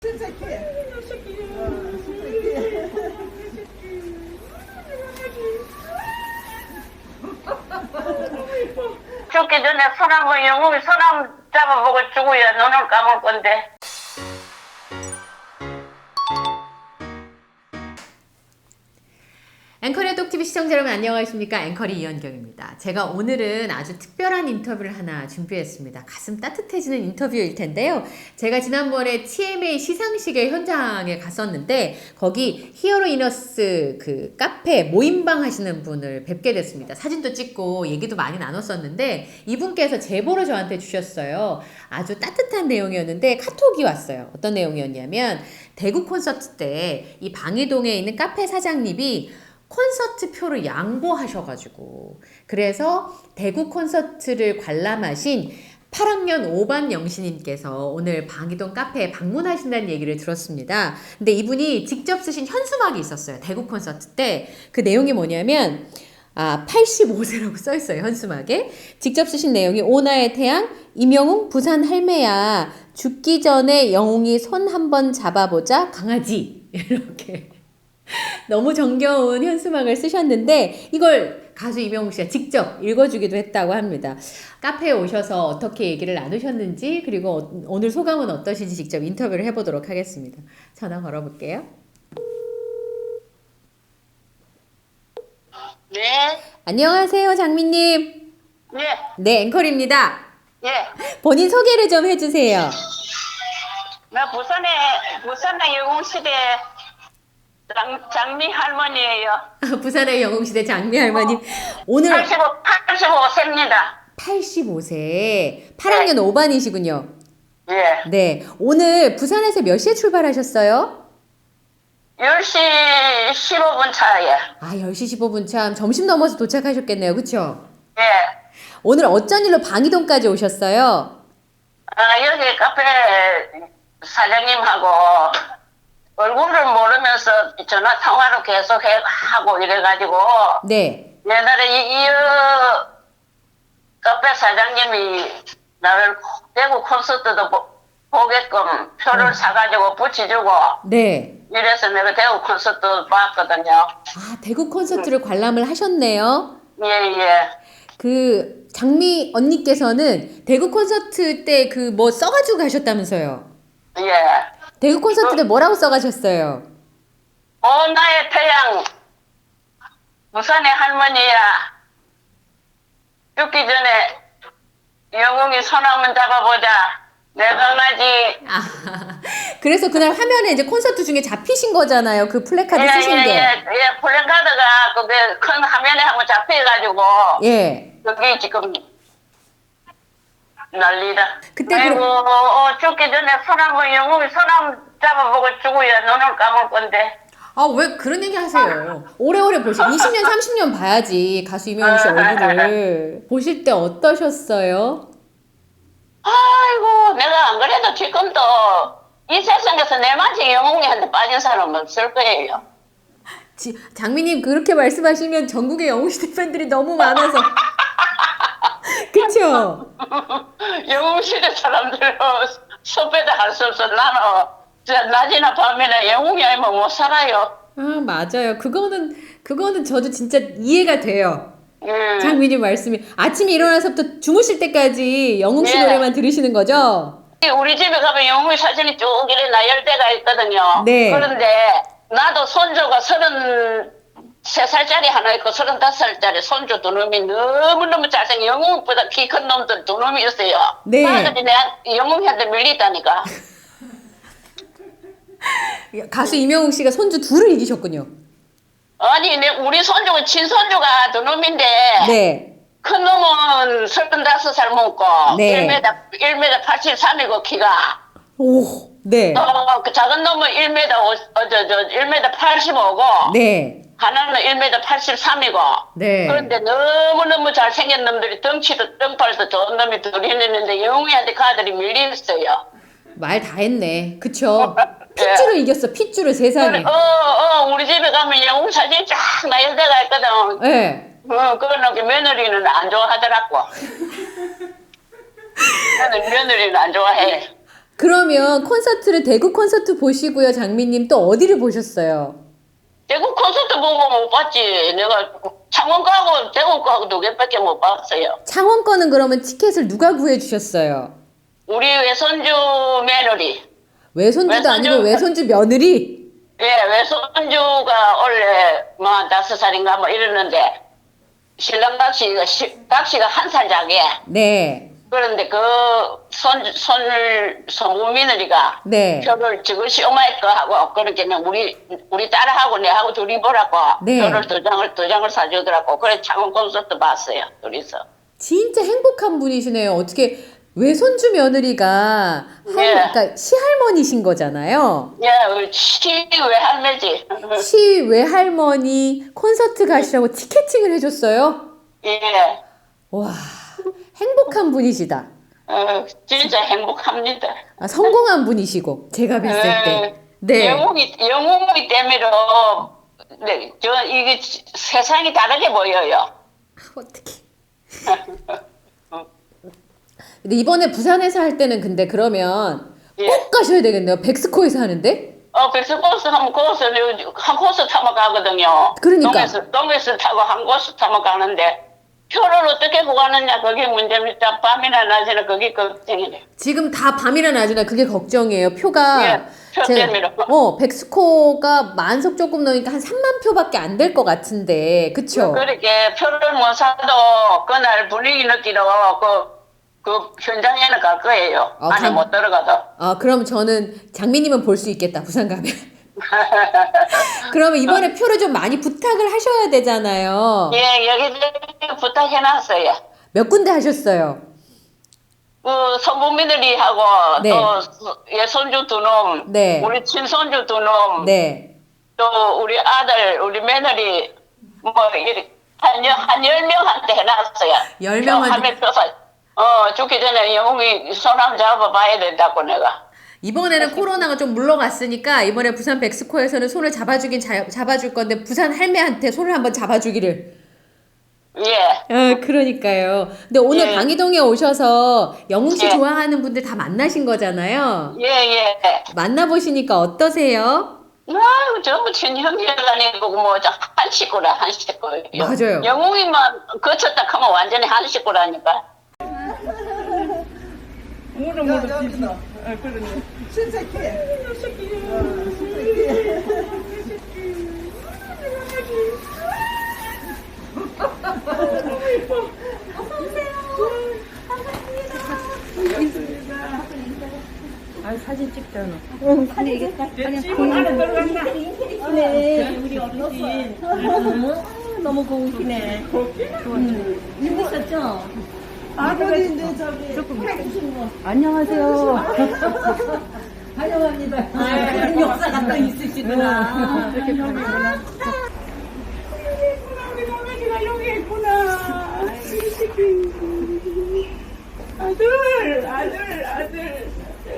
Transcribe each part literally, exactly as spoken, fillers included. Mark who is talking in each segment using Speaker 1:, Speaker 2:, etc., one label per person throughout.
Speaker 1: 침착해. 어, 침착해.
Speaker 2: 죽기 전에 손 한번 영웅이 손 한번 잡아보고 죽어야 눈을 감을 건데.
Speaker 3: 앵커의 똑티비 시청자 여러분 안녕하십니까? 앵커리 이현경입니다. 제가 오늘은 아주 특별한 인터뷰를 하나 준비했습니다. 가슴 따뜻해지는 인터뷰일 텐데요. 제가 지난번에 티엠에이 시상식의 현장에 갔었는데 거기 히어로 이너스 그 카페 모임방 하시는 분을 뵙게 됐습니다. 사진도 찍고 얘기도 많이 나눴었는데 이분께서 제보를 저한테 주셨어요. 아주 따뜻한 내용이었는데 카톡이 왔어요. 어떤 내용이었냐면 대구 콘서트 때 이 방이동에 있는 카페 사장님이 콘서트 표를 양보하셔가지고 그래서 대구 콘서트를 관람하신 팔 학년 오 반 영신님께서 오늘 방이동 카페에 방문하신다는 얘기를 들었습니다. 근데 이분이 직접 쓰신 현수막이 있었어요. 대구 콘서트 때. 그 내용이 뭐냐면 아, 팔십오 세라고 써있어요. 현수막에. 직접 쓰신 내용이 오나의 태양, 임영웅 부산 할매야. 죽기 전에 영웅이 손 한번 잡아보자 강아지. 이렇게. 너무 정겨운 현수막을 쓰셨는데 이걸 가수 이명웅 씨가 직접 읽어주기도 했다고 합니다. 카페에 오셔서 어떻게 얘기를 나누셨는지 그리고 오늘 소감은 어떠신지 직접 인터뷰를 해보도록 하겠습니다. 전화 걸어볼게요.
Speaker 2: 네.
Speaker 3: 안녕하세요 장미님.
Speaker 2: 예.
Speaker 3: 네 앵커입니다.
Speaker 2: 예.
Speaker 3: 본인 소개를 좀 해주세요.
Speaker 2: 나 부산에 부산의 영웅시대 장, 장미 할머니예요.
Speaker 3: 부산의 영웅시대 장미 할머님. 오늘
Speaker 2: 팔십오, 팔십오 세입니다.
Speaker 3: 팔십오 세 팔 학년 오 반이시군요.
Speaker 2: 예.
Speaker 3: 네. 오늘 부산에서 몇 시에 출발하셨어요?
Speaker 2: 열 시 십오 분 차에.
Speaker 3: 아, 열 시 십오 분 참 점심 넘어서 도착하셨겠네요. 그쵸?
Speaker 2: 예.
Speaker 3: 오늘 어쩐 일로 방이동까지 오셨어요?
Speaker 2: 아, 여기 카페 사장님하고 얼굴을 모르면서 전화 통화로 계속 해, 하고 이래가지고
Speaker 3: 네.
Speaker 2: 옛날에 이, 이 어, 카페 사장님이 나를 대구 콘서트도 보, 보게끔 표를
Speaker 3: 어.
Speaker 2: 사가지고 붙여주고
Speaker 3: 네.
Speaker 2: 이래서 내가 대구 콘서트 봤거든요.
Speaker 3: 아, 대구 콘서트를 관람을 하셨네요.
Speaker 2: 예예.
Speaker 3: 그 장미 언니께서는 대구 콘서트 때 그 뭐 써가지고 가셨다면서요?
Speaker 2: 예.
Speaker 3: 대구 콘서트 때 뭐라고 써가셨어요?
Speaker 2: 오 나의 태양 부산의 할머니야 죽기 전에 영웅이 손 한번 잡아보자 내 강아지.
Speaker 3: 아, 그래서 그날 화면에 이제 콘서트 중에 잡히신 거잖아요. 그 플래카드 쓰신
Speaker 2: 예,
Speaker 3: 게.
Speaker 2: 예, 예, 플랜카드가 그게 큰 화면에 한번 잡혀가지고
Speaker 3: 예.
Speaker 2: 여기 지금 난리다.
Speaker 3: 그때
Speaker 2: 아이고,
Speaker 3: 그럼-
Speaker 2: 어, 죽기 전에 손 한번 영웅이 손 한번 잡아보고 죽어야 눈을 감을 건데.
Speaker 3: 아, 왜 그런 얘기 하세요? 오래오래 보시, 이십 년, 삼십 년 봐야지. 가수 이명웅 씨 얼굴을. 보실 때 어떠셨어요?
Speaker 2: 아이고, 내가 안 그래도 지금도 이 세상에서 내만치 영웅이한테 빠진 사람은 없을 거예요.
Speaker 3: 지, 장미님 그렇게 말씀하시면 전국의 영웅시대 팬들이 너무 많아서. 그쵸?
Speaker 2: 영웅시대 사람들은 섭외도 할 수 없어. 나는 진짜 낮이나 밤이나 영웅이 아니면 못 살아요.
Speaker 3: 아, 맞아요. 그거는, 그거는 저도 진짜 이해가 돼요.
Speaker 2: 음.
Speaker 3: 장미님 말씀이. 아침에 일어나서부터 주무실 때까지 영웅 씨
Speaker 2: 예.
Speaker 3: 노래만 들으시는 거죠?
Speaker 2: 우리 집에 가면 영웅이 사진이 쭉 이래 나열 때가 있거든요.
Speaker 3: 네.
Speaker 2: 그런데 나도 손주가 서른 세 살짜리 하나 있고 서른다섯 살짜리 손주 두 놈이 너무너무 잘생긴 영웅보다 키 큰 놈들 두 놈이 있어요.
Speaker 3: 네.
Speaker 2: 아들이 내가 영웅이한테 밀리다니까.
Speaker 3: 가수 이명웅 씨가 손주 둘을 이기셨군요.
Speaker 2: 아니 내 우리 손주가 친손주가 두 놈인데
Speaker 3: 네.
Speaker 2: 큰 놈은 서른다섯 살 먹고
Speaker 3: 네.
Speaker 2: 일 미터 일 미터 팔십삼이고 키가
Speaker 3: 오, 네.
Speaker 2: 어, 그 작은 놈은 일 미터 오, 어, 저, 저, 일 미터 팔십오고
Speaker 3: 네.
Speaker 2: 하나는 일 미터 팔십삼이고
Speaker 3: 네.
Speaker 2: 그런데 너무너무 잘생긴 놈들이 덩치도 덩팔도 좋은 놈이 둘이 있는데 영웅이한테 그 아들이 밀렸어요.
Speaker 3: 말 다 했네. 그쵸? 핏줄을 이겼어. 핏줄을 세상에.
Speaker 2: 어, 어, 우리 집에 가면 영웅 사진이 쫙 나열대가 있거든.
Speaker 3: 네.
Speaker 2: 어, 그거는 며느리는 안 좋아하더라고. 나는 며느리는 안 좋아해.
Speaker 3: 그러면 콘서트를 대구 콘서트 보시고요. 장미님 또 어디를 보셨어요?
Speaker 2: 대구 콘서트 보고 못 봤지. 내가 창원 가고 대구 가고 두 개밖에 못 봤어요.
Speaker 3: 창원 거는 그러면 티켓을 누가 구해주셨어요?
Speaker 2: 우리 외손주 며느리.
Speaker 3: 외손주도
Speaker 2: 외손주.
Speaker 3: 아니고 외손주 며느리?
Speaker 2: 예, 외손주가 원래 뭐 다섯 살인가 뭐 이랬는데 신랑 각시가 시- 각시가 한 살 작게.
Speaker 3: 네.
Speaker 2: 그런데 그 손, 손, 손부 며느리가
Speaker 3: 네.
Speaker 2: 표를 저것이 오마이 거 하고 그렇게는 우리 우리 딸하고 내하고 둘이 보라고
Speaker 3: 네.
Speaker 2: 표를 두 장을 두 장을 사주더라고. 그래 창원 콘서트 봤어요 둘이서.
Speaker 3: 진짜 행복한 분이시네요. 어떻게 외손주 며느리가 할,
Speaker 2: 네.
Speaker 3: 그러니까 시할머니신 거잖아요.
Speaker 2: 예, 시 외할매지.
Speaker 3: 시 외할머니 콘서트 가시라고 티켓팅을 해줬어요.
Speaker 2: 예,
Speaker 3: 와, 행복한 분이시다.
Speaker 2: 어, 진짜 행복합니다.
Speaker 3: 아, 성공한 분이시고 제가 뵀을 때. 네.
Speaker 2: 영웅이 영웅이 때문에 네, 저 이게 세상이 다르게 보여요.
Speaker 3: 어떻게? 근데 이번에 부산에서 할 때는 근데 그러면
Speaker 2: 예.
Speaker 3: 꼭 가셔야 되겠네요. 백스코에서 하는데?
Speaker 2: 어, 백스코스 하면 코스 한 코스 타면 가거든요.
Speaker 3: 그러니까.
Speaker 2: 동해스 동해스 타고 한 코스 타면 가는데 표를 어떻게 구하느냐 그게 문제입니다. 밤이나 낮이나 그게 걱정이네.
Speaker 3: 지금 다 밤이나 낮이나 그게 걱정이에요. 표가
Speaker 2: 예, 표 때문에.
Speaker 3: 어 백스코가 만석 조금 넘으니까 한 삼만 표밖에 안 될 것 같은데 그쵸?
Speaker 2: 그렇게 표를 못 사도 그날 분위기 느끼러 그, 그 현장에는 갈 거예요.
Speaker 3: 어,
Speaker 2: 안에
Speaker 3: 감-
Speaker 2: 못 들어가도.
Speaker 3: 아 그럼 저는 장미님은 볼 수 있겠다 부산 가면. 그러면 이번에 표를 좀 많이 부탁을 하셔야 되잖아요.
Speaker 2: 예, 여기 부탁해놨어요.
Speaker 3: 몇 군데 하셨어요?
Speaker 2: 그 선부미들이하고
Speaker 3: 네.
Speaker 2: 또 예손주 두 놈,
Speaker 3: 네.
Speaker 2: 우리 친손주 두 놈,
Speaker 3: 네.
Speaker 2: 또 우리 아들, 우리 며느리 뭐 이렇게 한한 열 명한테 해놨어요.
Speaker 3: 열 명한테.
Speaker 2: 하면 표사. 어 죽기 전에 영웅이 손 한번 잡아봐야 된다고 내가.
Speaker 3: 이번에는 코로나가 좀 물러갔으니까 이번에 부산 백스코에서는 손을 잡아주긴 자, 잡아줄 건데 부산 할매한테 손을 한번 잡아주기를.
Speaker 2: 예.
Speaker 3: 아 그러니까요. 근데 오늘
Speaker 2: 예.
Speaker 3: 방이동에 오셔서 영웅 씨
Speaker 2: 예.
Speaker 3: 좋아하는 분들 다 만나신 거잖아요.
Speaker 2: 예, 예.
Speaker 3: 만나보시니까 어떠세요?
Speaker 2: 아유, 전부 친형제가 아니고 뭐 한 식구라 한 식구.
Speaker 3: 맞아요.
Speaker 2: 영웅이만 거쳤다 하면 완전히 한 식구라니까.
Speaker 1: 모르 모르 뒤집어. 아, 그러네. 신세계. 어, 신세계.
Speaker 4: 아 사진 찍잖아.
Speaker 1: 아니 이게 딱 그냥 공안에 들어간다. 네, 우리 어르신. 너무 고우시네. 힘드셨죠? 아버지인데 저기 해주신 거.
Speaker 4: 안녕하세요.
Speaker 1: 환영합니다. 아, 역사가 또 있으시구나. 이렇게 보내구나. 우리 강아지가 여기 있구나. 아들, 아들, 아들.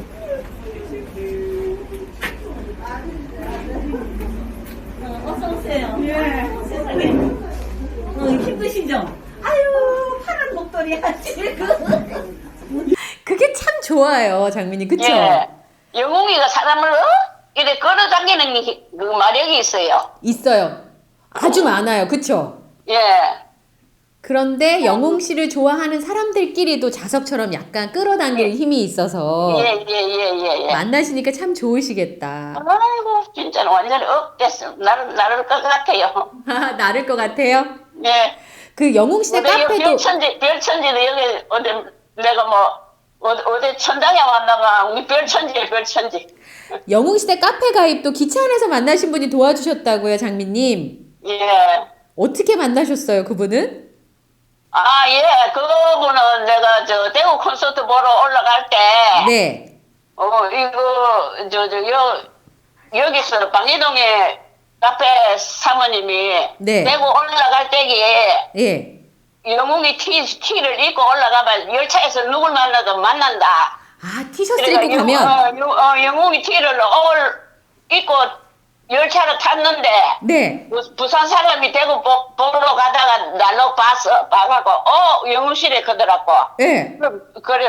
Speaker 1: 어, 어서 오세요. 예. 세상에. 어, 힘드시죠? 아유, 파란 목도리 하시고.
Speaker 3: 그게 참 좋아요, 장민님. 그쵸?
Speaker 2: 예. 영웅이가 사람을 어? 이렇게 끌어당기는 그 마력이 있어요.
Speaker 3: 있어요. 아주 많아요. 그쵸?
Speaker 2: 예.
Speaker 3: 그런데 영웅 씨를 좋아하는 사람들끼리도 자석처럼 약간 끌어당기는 힘이 있어서
Speaker 2: 예, 예, 예, 예, 예.
Speaker 3: 만나시니까 참 좋으시겠다.
Speaker 2: 아이고, 진짜 완전히 업됐어. 나를, 나를 것 같아요.
Speaker 3: 나를 것 같아요?
Speaker 2: 예.
Speaker 3: 그 영웅 씨네
Speaker 2: 어디
Speaker 3: 카페도
Speaker 2: 별천지, 별천지도 여기 어디 내가 뭐 어디, 어디 천당에 왔나가 우리 별천지에 별천지.
Speaker 3: 영웅 씨네 카페 가입도 기차 안에서 만나신 분이 도와주셨다고요, 장미님.
Speaker 2: 예.
Speaker 3: 어떻게 만나셨어요, 그분은?
Speaker 2: 아, 예. 그분은 내가 저 대구 콘서트 보러 올라갈 때.
Speaker 3: 네.
Speaker 2: 어, 이거, 저, 저, 여, 여기서 방이동에 카페 사모님이.
Speaker 3: 네.
Speaker 2: 대구 올라갈 때기에.
Speaker 3: 예.
Speaker 2: 영웅이 티, 티를 입고 올라가면 열차에서 누굴 만나도 만난다.
Speaker 3: 아, 티셔츠
Speaker 2: 그러니까
Speaker 3: 입고
Speaker 2: 영-
Speaker 3: 가면?
Speaker 2: 어, 영- 어, 영웅이 티를 올 입고 열차를 탔는데
Speaker 3: 네.
Speaker 2: 부, 부산 사람이 대구 보, 보러 가다가 날로 봤어. 봐갖고 어 영웅실에 그더라고.
Speaker 3: 예.
Speaker 2: 그럼 그래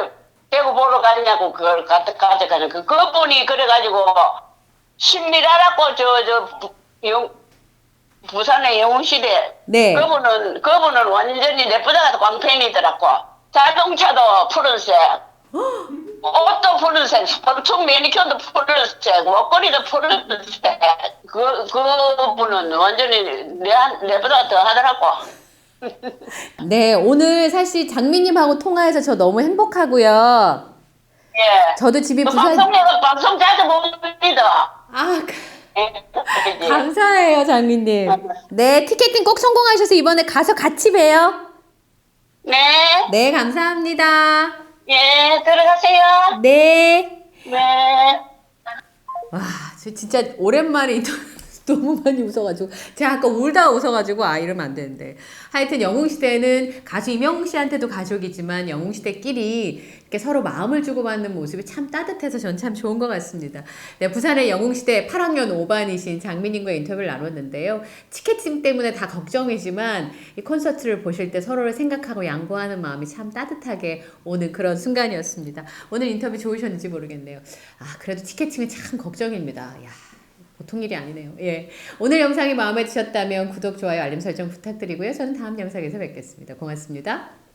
Speaker 2: 대구 보러 가냐고 그걸 가져 가져가는 그 그분이 그래가지고 신미라라고 저저 영 부산의 영웅시대
Speaker 3: 네.
Speaker 2: 그분은 그분은 완전히 내보다 광팬이더라고. 자동차도 푸른색, 옷도 푸른색, 손톱 매니큐어도 푸른색, 목걸이도 푸른색. 그 그분은 완전히 내 내보다 더 하더라고.
Speaker 3: 네, 오늘 사실 장미님하고 통화해서 저 너무 행복하고요.
Speaker 2: 예.
Speaker 3: 저도 집이
Speaker 2: 그
Speaker 3: 부산.
Speaker 2: 방송 방송 자주 봅니다.
Speaker 3: 아,
Speaker 2: 예.
Speaker 3: 감사해요, 장미님. 네, 티켓팅 꼭 성공하셔서 이번에 가서 같이 봬요.
Speaker 2: 네.
Speaker 3: 네, 감사합니다.
Speaker 2: 예, 들어가세요.
Speaker 3: 네.
Speaker 2: 네.
Speaker 3: 와, 저 진짜 오랜만에 인터뷰 너무 많이 웃어가지고 제가 아까 울다 웃어가지고 아 이러면 안 되는데 하여튼 영웅시대는 가수 임영웅 씨한테도 가족이지만 영웅시대끼리 이렇게 서로 마음을 주고받는 모습이 참 따뜻해서 전 참 좋은 것 같습니다. 네, 부산의 영웅시대 팔 학년 오 반이신 장민님과 인터뷰를 나눴는데요. 티켓팅 때문에 다 걱정이지만 이 콘서트를 보실 때 서로를 생각하고 양보하는 마음이 참 따뜻하게 오는 그런 순간이었습니다. 오늘 인터뷰 좋으셨는지 모르겠네요. 아 그래도 티켓팅은 참 걱정입니다. 야. 보통 일이 아니네요. 예. 오늘 영상이 마음에 드셨다면 구독, 좋아요, 알림 설정 부탁드리고요. 저는 다음 영상에서 뵙겠습니다. 고맙습니다.